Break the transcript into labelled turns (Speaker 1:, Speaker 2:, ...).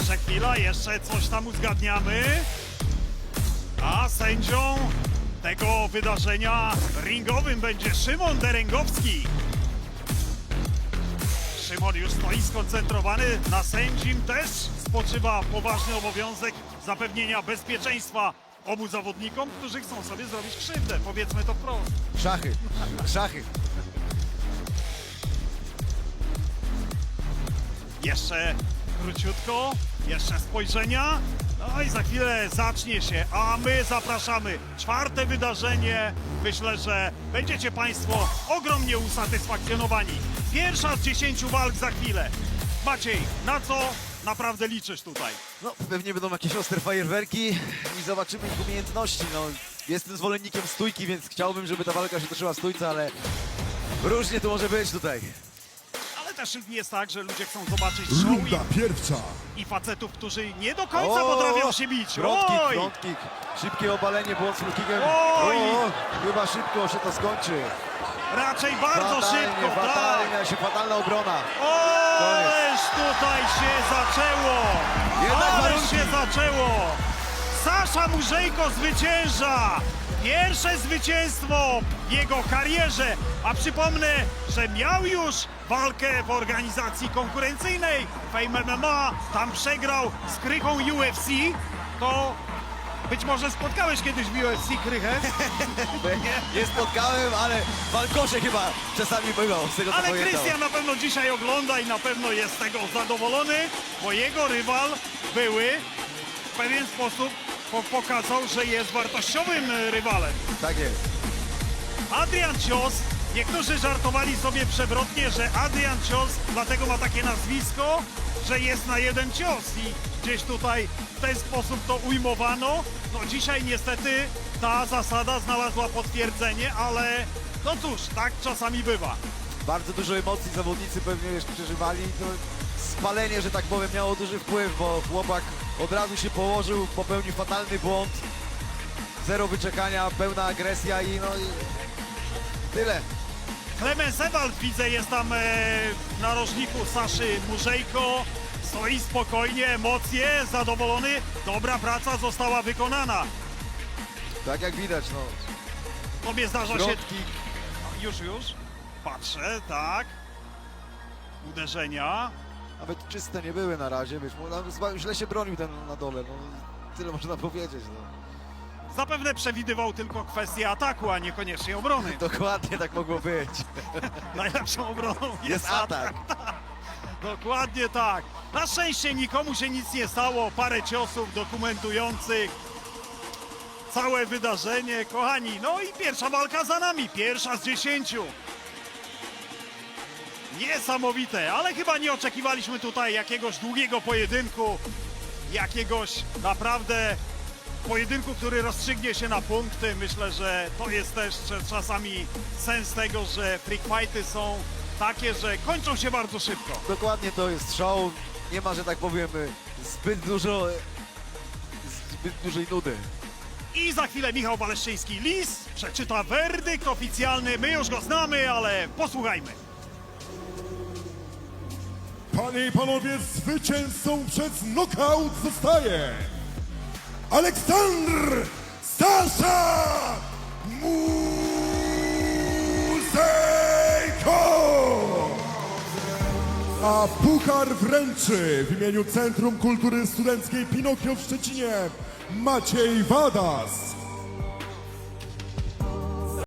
Speaker 1: Jeszcze chwila, jeszcze coś tam uzgadniamy. A sędzią tego wydarzenia ringowym będzie Szymon Derengowski. Szymon już stoi skoncentrowany, na sędzim też spoczywa poważny obowiązek zapewnienia bezpieczeństwa obu zawodnikom, którzy chcą sobie zrobić krzywdę, powiedzmy to wprost.
Speaker 2: Szachy, szachy.
Speaker 1: Jeszcze króciutko, jeszcze spojrzenia, no i za chwilę zacznie się, a my zapraszamy. Czwarte wydarzenie, myślę, że będziecie Państwo ogromnie usatysfakcjonowani. Pierwsza z 10 walk za chwilę. Maciej, na co naprawdę liczysz tutaj?
Speaker 2: No, pewnie będą jakieś ostre fajerwerki i zobaczymy ich umiejętności. No, jestem zwolennikiem stójki, więc chciałbym, żeby ta walka się toczyła w stójce, ale różnie to może być tutaj.
Speaker 1: Ale też jest tak, że ludzie chcą zobaczyć show
Speaker 3: Runda pierwsza.
Speaker 1: i facetów, którzy nie do końca potrafią się bić.
Speaker 2: Front kick, szybkie obalenie, błąd z kickiem.
Speaker 1: Oj!
Speaker 2: Chyba szybko się to skończy.
Speaker 1: Raczej bardzo szybko, tak.
Speaker 2: Fatalnie, się fatalna obrona.
Speaker 1: Ależ tutaj się zaczęło!
Speaker 2: Jednak
Speaker 1: Ależ
Speaker 2: warunki.
Speaker 1: się zaczęło! Sasza Murzejko zwycięża! Pierwsze zwycięstwo w jego karierze, a przypomnę, że miał już walkę w organizacji konkurencyjnej Fame MMA, tam przegrał z Krychą UFC, to być może spotkałeś kiedyś w UFC Krychę?
Speaker 2: Nie spotkałem, ale w walkosze chyba czasami bywał, z tego co
Speaker 1: Ale
Speaker 2: pamiętam.
Speaker 1: Krystian na pewno dzisiaj ogląda i na pewno jest z tego zadowolony, bo jego rywal były w pewien sposób pokazał, że jest wartościowym rywalem.
Speaker 2: Tak jest.
Speaker 1: Adrian Cios, niektórzy żartowali sobie przewrotnie, że Adrian Cios dlatego ma takie nazwisko, że jest na jeden cios i gdzieś tutaj w ten sposób to ujmowano. No dzisiaj niestety ta zasada znalazła potwierdzenie, ale no cóż, tak czasami bywa.
Speaker 2: Bardzo dużo emocji zawodnicy pewnie już przeżywali. To spalenie, że tak powiem, miało duży wpływ, bo chłopak od razu się położył, popełnił fatalny błąd. Zero wyczekania, pełna agresja i no i tyle.
Speaker 1: Klemens Ewald, widzę, jest tam w narożniku Saszy Murzejko. Stoi spokojnie, emocje, zadowolony. Dobra praca została wykonana.
Speaker 2: Tak jak widać, no.
Speaker 1: Tobie zdarza się...
Speaker 2: Front kick.
Speaker 1: Już. Patrzę, tak. Uderzenia.
Speaker 2: Nawet czyste nie były na razie, wiesz, źle się bronił ten na dole, no. Tyle można powiedzieć, no.
Speaker 1: Zapewne przewidywał tylko kwestię ataku, a niekoniecznie obrony.
Speaker 2: Dokładnie tak mogło być.
Speaker 1: Najlepszą obroną
Speaker 2: Jest atak.
Speaker 1: Dokładnie tak. Na szczęście nikomu się nic nie stało. Parę ciosów dokumentujących całe wydarzenie. Kochani, no i pierwsza walka za nami. Pierwsza z 10. Niesamowite, ale chyba nie oczekiwaliśmy tutaj jakiegoś długiego pojedynku. Jakiegoś naprawdę pojedynku, który rozstrzygnie się na punkty. Myślę, że to jest też czasami sens tego, że freak fighty są takie, że kończą się bardzo szybko.
Speaker 2: Dokładnie to jest show. Nie ma, że tak powiem, zbyt dużej nudy.
Speaker 1: I za chwilę Michał Waleszczyński-Lis przeczyta werdykt oficjalny. My już go znamy, ale posłuchajmy.
Speaker 3: Panie i panowie, zwycięzcą przez knockout zostaje Aleksandr Sasza Murzejko! A puchar wręczy w imieniu Centrum Kultury Studenckiej Pinokio w Szczecinie Maciej Wadas.